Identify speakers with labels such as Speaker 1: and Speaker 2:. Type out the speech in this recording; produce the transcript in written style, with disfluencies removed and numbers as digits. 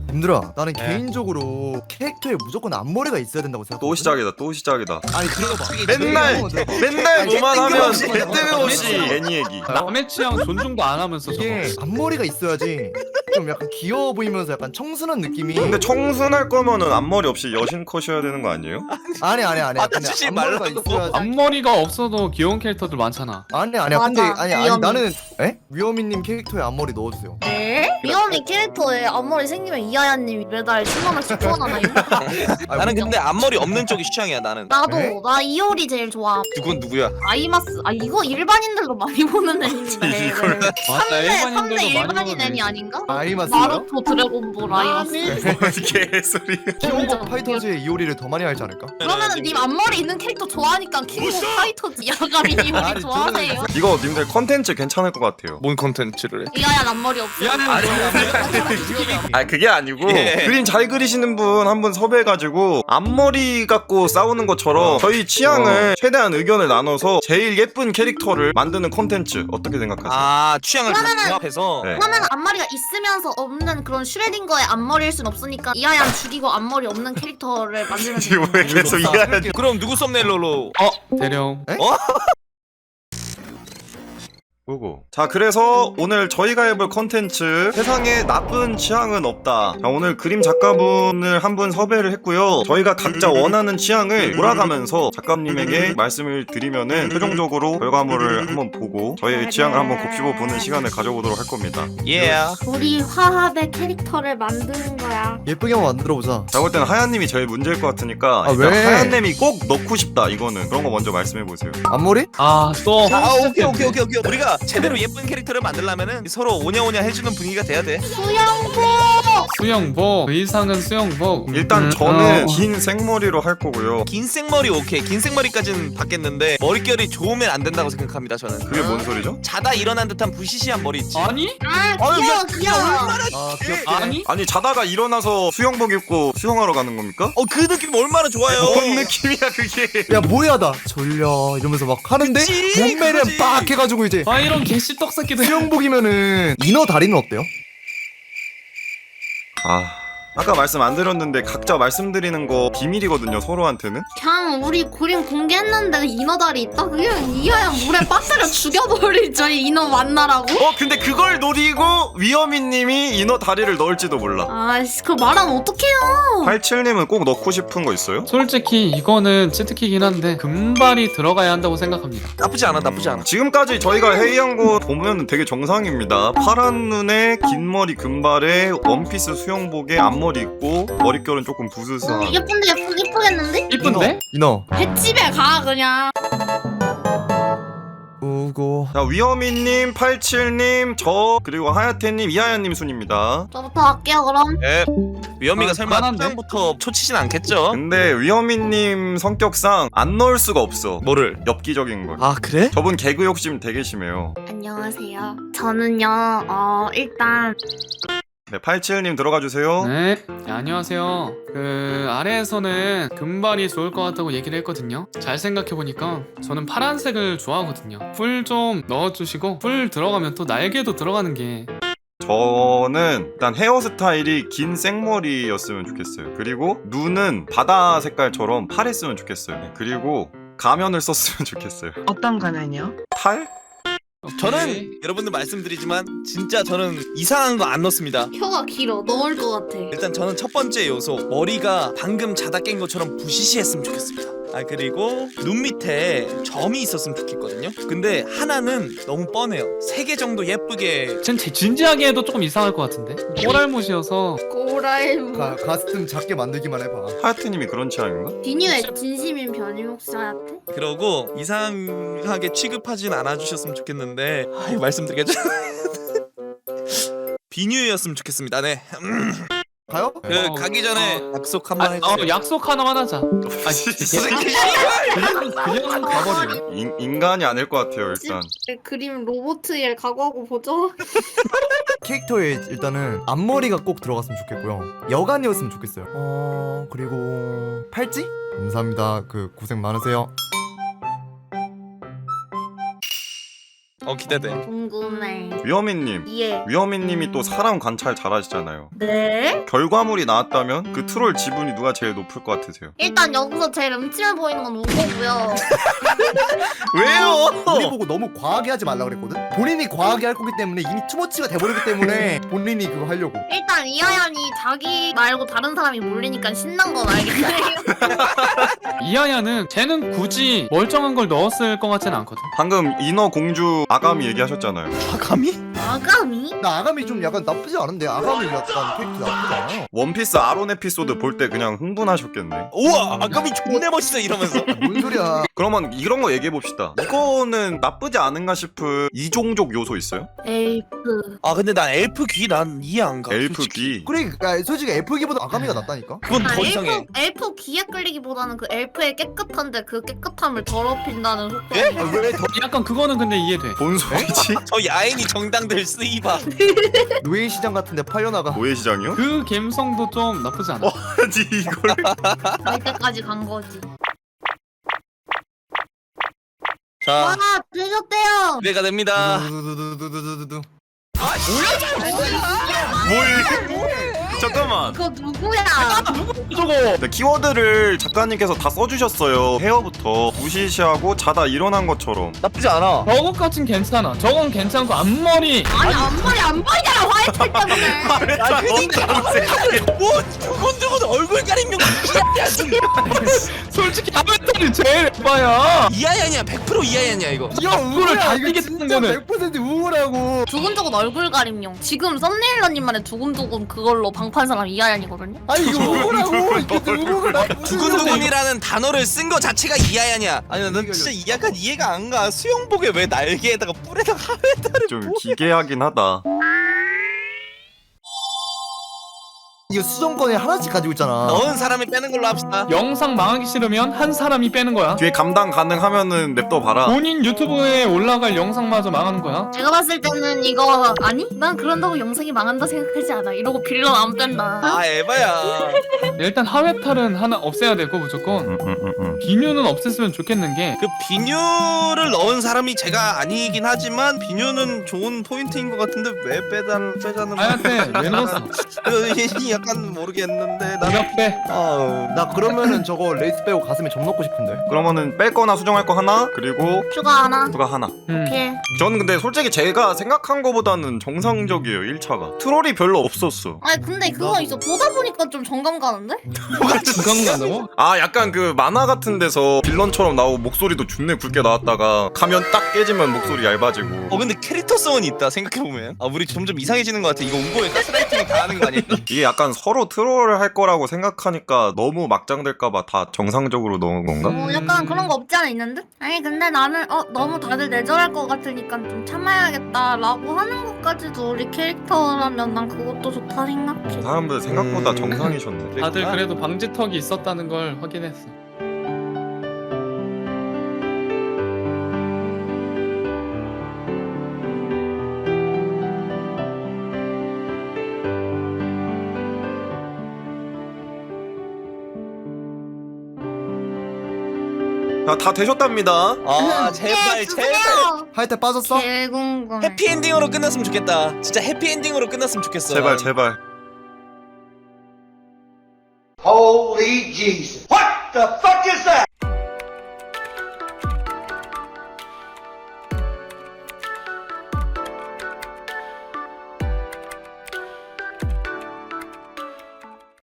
Speaker 1: 님들아, 나는
Speaker 2: 네.
Speaker 1: 개인적으로 캐릭터에 무조건 앞머리가 있어야 된다고 생각해.
Speaker 3: 또 시작이다 또 시작이다.
Speaker 1: 아니 들어봐.
Speaker 3: 맨날
Speaker 1: 아니,
Speaker 3: 뭐만 하면
Speaker 1: 땡겨없이.
Speaker 3: 땡겨없이 애니 얘기.
Speaker 2: 남의 취향 존중도 안 하면서 저거.
Speaker 1: 이게 앞머리가 있어야지 좀 약간 귀여워 보이면서 약간 청순한 느낌이.
Speaker 3: 근데 청순할 거면은 앞머리 없이 여신 컷이어야 되는 거 아니에요?
Speaker 1: 아니야. 근데
Speaker 4: 치지
Speaker 1: 앞머리가
Speaker 4: 말라고.
Speaker 1: 있어야지.
Speaker 2: 앞머리가 없어도 귀여운 캐릭터들 많잖아.
Speaker 1: 아니야.
Speaker 5: 맞아,
Speaker 1: 근데 아니
Speaker 5: 위험해.
Speaker 1: 나는 위어미님 캐릭터에 앞머리 넣어주세요.
Speaker 5: 네? 위험이 캐릭터에 앞머리 생기면 이하야님이 매달 10만원씩 후원하나요?
Speaker 4: 나는 근데 앞머리 없는 쪽이 취향이야 나는.
Speaker 5: 나도
Speaker 1: 에?
Speaker 5: 나 이효리 제일 좋아.
Speaker 4: 누군 누구야?
Speaker 5: 아이마스. 아 이거 일반인들도 많이 보는 애니인데.
Speaker 3: 이걸-
Speaker 2: 맞다,
Speaker 5: 3대
Speaker 2: 일반인들도 많이
Speaker 5: 일반인
Speaker 2: 보는
Speaker 5: 애니 아닌가?
Speaker 1: 아이마스요?
Speaker 5: 나루토 드래곤볼 아이마스.
Speaker 3: 개소리.
Speaker 1: 킹오브 파이터즈의 이오리를 더 많이 알지 않을까?
Speaker 5: 그러면은 님 앞머리 있는 캐릭터 좋아하니까 킹오브 파이터즈 야가미 이효리
Speaker 1: 아니,
Speaker 5: 좋아하세요?
Speaker 3: 이거 님들 컨텐츠 괜찮을 것 같아요.
Speaker 4: 뭔 컨텐츠를 해?
Speaker 5: 이하야 앞머리 없어.
Speaker 3: 아 그게 아니고
Speaker 4: 예.
Speaker 3: 그림 잘 그리시는 분 한 분 섭외해가지고 앞머리 갖고 싸우는 것처럼 저희 취향을 최대한 의견을 나눠서 제일 예쁜 캐릭터를 만드는 컨텐츠 어떻게 생각하세요?
Speaker 4: 아 취향을 다
Speaker 5: 그러면은-
Speaker 4: 종합해서.
Speaker 3: 네.
Speaker 5: 그러면 앞머리가 있으면서 없는 그런 슈레딩거의 앞머리일 순 없으니까 이하야 죽이고 앞머리 없는 캐릭터를 만들면
Speaker 3: 지금 왜 계속 이해하냐?
Speaker 4: 그럼 누구 썸네일로?
Speaker 2: 대령.
Speaker 3: 보고. 자 그래서 오늘 저희가 해볼 컨텐츠 세상에 나쁜 취향은 없다. 자 오늘 그림 작가분을 한 분 섭외를 했고요. 저희가 각자 원하는 취향을 몰아가면서 작가님에게 말씀을 드리면은 최종적으로 결과물을 한번 보고 저희의 취향을 한번 곱씹어 보는 시간을 가져보도록 할 겁니다.
Speaker 4: 예.
Speaker 5: 우리 화합의 캐릭터를 만드는 거야.
Speaker 1: 예쁘게 한번 만들어보자.
Speaker 3: 자 볼 때는 하얀님이 제일 문제일 것 같으니까
Speaker 1: 아,
Speaker 3: 일단
Speaker 1: 왜?
Speaker 3: 하얀님이 꼭 넣고 싶다 이거는 그런 거 먼저 말씀해 보세요.
Speaker 1: 앞머리?
Speaker 2: 또.
Speaker 4: 아 오케이. 우리가 제대로 예쁜 캐릭터를 만들려면은 서로 오냐오냐 해주는 분위기가 돼야 돼.
Speaker 2: 수영복. 의상은 수영복.
Speaker 3: 일단 저는
Speaker 2: 어.
Speaker 3: 긴 생머리로 할 거고요.
Speaker 4: 긴 생머리 오케이. 긴 생머리까지는 받겠는데 머릿결이 좋으면 안 된다고 생각합니다 저는.
Speaker 3: 그게 뭔 소리죠?
Speaker 4: 자다 일어난 듯한 부시시한 머리 있지.
Speaker 2: 아니?
Speaker 5: 아
Speaker 4: 아유,
Speaker 5: 귀여워
Speaker 4: 야,
Speaker 5: 귀여워.
Speaker 1: 아 귀엽게.
Speaker 2: 아니?
Speaker 3: 아니 자다가 일어나서 수영복 입고 수영하러 가는 겁니까?
Speaker 4: 그 느낌 얼마나 좋아요.
Speaker 3: 뭔 느낌이야 그게.
Speaker 1: 야 뭐야 나 졸려 이러면서 막 하는데
Speaker 4: 그치,
Speaker 1: 몸매를
Speaker 4: 그거지.
Speaker 1: 빡 해가지고 이제
Speaker 2: 아 이런 개씨떡 새끼들.
Speaker 1: 수영복이면은 이너 다리는 어때요?
Speaker 3: 아까 말씀 안 드렸는데 각자 말씀드리는 거 비밀이거든요 서로한테는.
Speaker 5: 그냥 우리 그림 공개했는데 인어다리 있다? 그냥 이하야 물에 빠뜨려 죽여버리죠 이 인어 만나라고?
Speaker 3: 근데 그걸 노리고 위어미님이 인어 다리를 넣을지도 몰라.
Speaker 5: 아이씨 그거 말하면 어떡해요.
Speaker 3: 87님은 꼭 넣고 싶은 거 있어요?
Speaker 2: 솔직히 이거는 치트키긴 한데 금발이 들어가야 한다고 생각합니다.
Speaker 4: 나쁘지 않아 나쁘지 않아.
Speaker 3: 지금까지 저희가 회의한 거 보면 되게 정상입니다. 파란 눈에 긴 머리 금발에 원피스 수영복에 앞머리 있고 머릿결은 조금 부스스한.
Speaker 5: 예쁜데 예쁘겠는데?
Speaker 2: 이쁜데?
Speaker 1: 인어.
Speaker 5: 횟집에 가 그냥.
Speaker 1: 우고.
Speaker 3: 자 위어미님, 87님, 저 그리고 하야테님, 이하야님 순입니다.
Speaker 5: 저부터 할게요 그럼.
Speaker 4: 예. 위험이가
Speaker 2: 아,
Speaker 4: 설마
Speaker 2: 편한데?
Speaker 4: 초장부터 초치진 않겠죠?
Speaker 3: 근데 위어미님 성격상 안 넣을 수가 없어.
Speaker 4: 뭐를?
Speaker 3: 엽기적인 걸.
Speaker 4: 아 그래?
Speaker 3: 저분 개그 욕심 되게 심해요.
Speaker 5: 안녕하세요. 저는요 일단
Speaker 3: 네, 87님 들어가 주세요.
Speaker 2: 네. 안녕하세요. 아래에서는 금발이 좋을 것 같다고 얘기를 했거든요. 잘 생각해보니까 저는 파란색을 좋아하거든요. 뿔 좀 넣어주시고 뿔 들어가면 또 날개도 들어가는 게
Speaker 3: 저는 일단 헤어스타일이 긴 생머리였으면 좋겠어요. 그리고 눈은 바다 색깔처럼 파랬으면 좋겠어요. 네, 그리고 가면을 썼으면 좋겠어요.
Speaker 6: 어떤 가면이요?
Speaker 3: 탈?
Speaker 4: 저는 여러분들 말씀드리지만 진짜 저는 이상한 거 안 넣습니다.
Speaker 5: 혀가 길어 넣을 것 같아.
Speaker 4: 일단 저는 첫 번째 요소 머리가 방금 자다 깬 것처럼 부시시했으면 좋겠습니다. 아 그리고 눈 밑에 점이 있었으면 좋겠거든요. 근데 하나는 너무 뻔해요. 3개 정도 예쁘게.
Speaker 2: 진지하게 해도 조금 이상할 것 같은데? 꼬랄못이어서
Speaker 5: 꼬라이브.
Speaker 1: 가스틈 작게 만들기만 해봐.
Speaker 3: 하야트님이 그런 취향인가?
Speaker 5: 비니의 진심인 변이 혹시 하얗대?
Speaker 4: 그러고 이상하게 취급하진 않아주셨으면 좋겠는데 이거 말씀드리겠죠? 비뉴였으면 좋겠습니다. 네.
Speaker 1: 가요?
Speaker 4: 가기 전에 약속 한번 해주세요.
Speaker 2: 약속 하나만 하자. 그냥 가버리네.
Speaker 3: 인간이 아닐 것 같아요 일단.
Speaker 5: 그림 로보트일 각오하고 보죠.
Speaker 1: 캐릭터에 일단은 앞머리가 꼭 들어갔으면 좋겠고요. 여간이었으면 좋겠어요. 그리고 팔찌? 감사합니다. 고생 많으세요.
Speaker 4: 기대돼.
Speaker 5: 궁금해.
Speaker 3: 위어미님.
Speaker 5: 예.
Speaker 3: 위어미님이 또 사람 관찰 잘하시잖아요.
Speaker 5: 네?
Speaker 3: 결과물이 나왔다면 그 트롤 지분이 누가 제일 높을 것 같으세요?
Speaker 5: 일단 여기서 제일 음침해 보이는 건 우거고요.
Speaker 3: 왜요?
Speaker 1: 우리 보고 너무 과하게 하지 말라 그랬거든. 본인이 과하게 할 거기 때문에 이미 투머치가 돼버리기 때문에 본인이 그거 하려고.
Speaker 5: 일단 이하얀이 자기 말고 다른 사람이 몰리니까 신난 건 알겠네요.
Speaker 2: 이하야는 쟤는 굳이 멀쩡한 걸 넣었을 것 같진 않거든.
Speaker 3: 방금 인어 공주 아가미 얘기하셨잖아요.
Speaker 4: 아가미?
Speaker 5: 아가미?
Speaker 1: 나 아가미 좀 약간 나쁘지 않은데 아가미 약간 캐릭터 나쁘지 않아요.
Speaker 3: 원피스 아론 에피소드 볼 때 그냥 흥분하셨겠네.
Speaker 4: 우와 아가미 존내 멋있어 이러면서.
Speaker 1: 뭔 소리야?
Speaker 3: 그러면 이런 거 얘기해 봅시다. 이거는 나쁘지 않은가 싶은 이종족 요소 있어요?
Speaker 5: 엘프.
Speaker 4: 아 근데 난 엘프 귀 난 이해 안 가.
Speaker 3: 엘프
Speaker 4: 솔직히.
Speaker 3: 귀.
Speaker 1: 그러니까 솔직히 애플기보다 아가미가 낫다니까.
Speaker 4: 그건 더 이상해.
Speaker 5: 엘프 귀에 끌리기보다는 그 엘프의 깨끗한데 그 깨끗함을 더럽힌다는 속도.
Speaker 4: 예?
Speaker 1: 왜 더
Speaker 2: 약간 그거는 근데 이해돼.
Speaker 3: 뭔 소리지?
Speaker 4: 저 야인이 정당들 쓰이바.
Speaker 1: 노예 시장 같은데 팔려나가.
Speaker 3: 노예시장이요?
Speaker 2: 그 감성도 좀 나쁘지 않아.
Speaker 3: 아니 이걸.
Speaker 5: 갈 때까지 간 거지.
Speaker 4: 자
Speaker 5: 와 되셨대요.
Speaker 4: 기대가 됩니다.
Speaker 1: 두두두두두두두두.
Speaker 3: 뭘? 잠깐만.
Speaker 5: 그거 누구야?
Speaker 3: 네, 키워드를 작가님께서 다 써주셨어요. 헤어부터 무시시하고 자다 일어난 것처럼.
Speaker 4: 나쁘지 않아.
Speaker 2: 저것까진 괜찮아. 저건 괜찮고 앞머리.
Speaker 5: 아니 앞머리 안 보이잖아 화이트 때문에.
Speaker 4: 아 그니까 뭐 두근두근 얼굴 가리면
Speaker 2: 솔직히 앞머리 제일 예뻐야.
Speaker 4: 이하얀이야 100% 이하얀이야 이거.
Speaker 2: 야 우울을 다
Speaker 1: 이거
Speaker 2: 띄게
Speaker 1: 진짜
Speaker 2: 뜨는 거는.
Speaker 1: 100% 우울하고.
Speaker 5: 두근두근 얼굴 가림용. 지금 썸네일러님만의 두근두근 그걸로 방판 사람 이하얀이거든요.
Speaker 1: 아니 이거 우울하고 이게 우울을
Speaker 4: 두근두근이라는 단어를 쓴 거 자체가 이하얀이야. 아니 난 진짜 약간 이해가 안 가. 수영복에 왜 날개에다가 뿔에다가 하회다를
Speaker 3: 좀 기괴하긴 하다.
Speaker 1: 이거 수정권에 하나씩 가지고 있잖아.
Speaker 4: 넣은 사람이 빼는 걸로 합시다.
Speaker 2: 영상 망하기 싫으면 한 사람이 빼는 거야.
Speaker 3: 뒤에 감당 가능하면은 냅둬 봐라.
Speaker 2: 본인 유튜브에 올라갈 영상마저 망하는 거야.
Speaker 5: 제가 봤을 때는 이거 아니? 난 그런다고 영상이 망한다 생각하지 않아. 이러고 빌런 안 뺀다.
Speaker 4: 아 에바야.
Speaker 2: 일단 하회탈은 하나 없애야 되고 무조건. 비뉴는 없앴으면 좋겠는 게
Speaker 4: 그 비뉴를 넣은 사람이 제가 아니긴 하지만 비뉴는 좋은 포인트인 것 같은데 왜 빼자는
Speaker 2: 아야한테 왜 넣었어?
Speaker 4: 약간 모르겠는데 나
Speaker 2: 네가 빼.
Speaker 4: 아우
Speaker 1: 나 그러면은 저거 레이스 빼고 가슴에 점 넣고 싶은데.
Speaker 3: 그러면은 뺄 거나 수정할 거 하나, 그리고
Speaker 5: 추가 하나.
Speaker 3: 누가 하나.
Speaker 5: 오케이.
Speaker 3: 저는 근데 솔직히 제가 생각한 거보다는 정상적이에요. 1차가 트롤이 별로 없었어.
Speaker 5: 아니 근데 그거 있어. 보다 보니까 좀 정감 가는데?
Speaker 2: 중간 간다고?
Speaker 3: 아 약간 그 만화 같은 데서 빌런처럼 나오고 목소리도 존내 굵게 나왔다가 가면 딱 깨지면 목소리 얇아지고.
Speaker 4: 근데 캐릭터성은 있다 생각해보면. 아 우리 점점 이상해지는 것 같아. 이거 우고에 가스라이팅 당하는 거 아니야?
Speaker 3: 이게 약간 서로 트롤을 할 거라고 생각하니까 너무 막장될까봐 다 정상적으로 넣은 건가?
Speaker 5: 약간 그런 거 없지 않아 있는데? 아니 근데 나는 너무 다들 내절할 것 같으니까 좀 참아야겠다라고 하는 것까지도 우리 캐릭터라면 난 그것도 좋다 생각해.
Speaker 3: 사람들 생각보다 정상이셨네.
Speaker 2: 다들 그래도 방지턱이 있었다는 걸 확인했어.
Speaker 3: 자, 다 되셨답니다.
Speaker 4: 아 제발 제발
Speaker 1: 하여튼 빠졌어?
Speaker 5: 개궁금.
Speaker 4: 해피엔딩으로 끝났으면 좋겠다. 진짜 해피엔딩으로 끝났으면 좋겠어.
Speaker 3: 제발 제발.
Speaker 6: Holy Jesus. What the fuck is that?